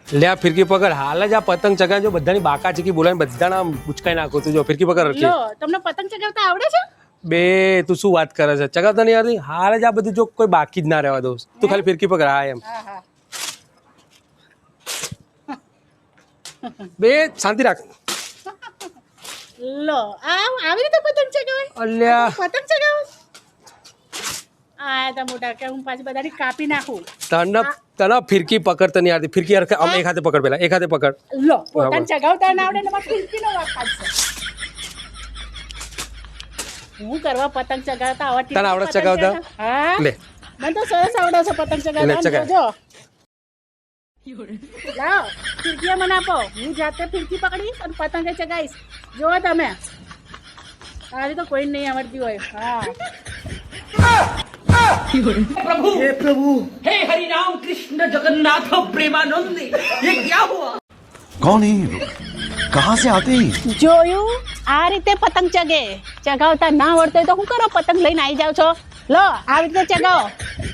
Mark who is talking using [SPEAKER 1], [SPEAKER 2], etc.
[SPEAKER 1] લે આ ફિરકી પકડ, હાલ જ આ પતંગ ચગાવજો, બધાની બાકા ચીકી બોલાવીને બધાના ઉચકાઈ નાખો. તું જો ફિરકી પકડ રખી.
[SPEAKER 2] લો તમને પતંગ ચગાવતા આવડે છે?
[SPEAKER 1] બે તું શું વાત કરે છે? ચગાવતા નહીં આવડતી? હાલ જ આ બધું જો કોઈ બાકી જ ના રહેવા દઉં. તું ખાલી ફિરકી પકડ. હા એમ.
[SPEAKER 2] હા હા.
[SPEAKER 1] બે શાંતિ રાખ.
[SPEAKER 2] લો આવી રીતે પતંગ ચગાવે?
[SPEAKER 1] અલ્યા
[SPEAKER 2] પતંગ ચગાવે આ તા મોટા કે હું પાછી બધાની કાપી નાખું.
[SPEAKER 1] તને ફિરકી પકડતા નહીં આવતી. ફિરકી આમ એક હાથે પકડ, પેલા એક હાથે પકડ.
[SPEAKER 2] લો પતંગ ચગાવતા ના આવડે ને મારે ફિરકીનો વાત છે. હું કરવા પતંગ ચગાવતા આવડતી?
[SPEAKER 1] તને આવડે ચગાવતા?
[SPEAKER 2] હા
[SPEAKER 1] લે
[SPEAKER 2] મને તો સરસ આવડે છે પતંગ
[SPEAKER 1] લે,
[SPEAKER 2] ચગાવતા.
[SPEAKER 1] ચગાવ.
[SPEAKER 2] જોજો લાવ ફિરકી મને આપો, હું જાતે ફિરકી પકડીશ અને પતંગે ચગાવીશ. જુઓ તમે, આવી તો કોઈ નહીં આવડતી હોય. હા
[SPEAKER 3] प्रभु हे हरि राम कृष्ण जगन्नाथ प्रेमानंद ये क्या हुआ?
[SPEAKER 4] कौन है ये लोग? कहाँ से आते हैं?
[SPEAKER 2] જોયું? આ રીતે પતંગ ચગે. ચગાવતા ના આવડતો હોય તો શું કરો? પતંગ લઈને આવી જાવ છો. લો આવી રીતે ચગાવો.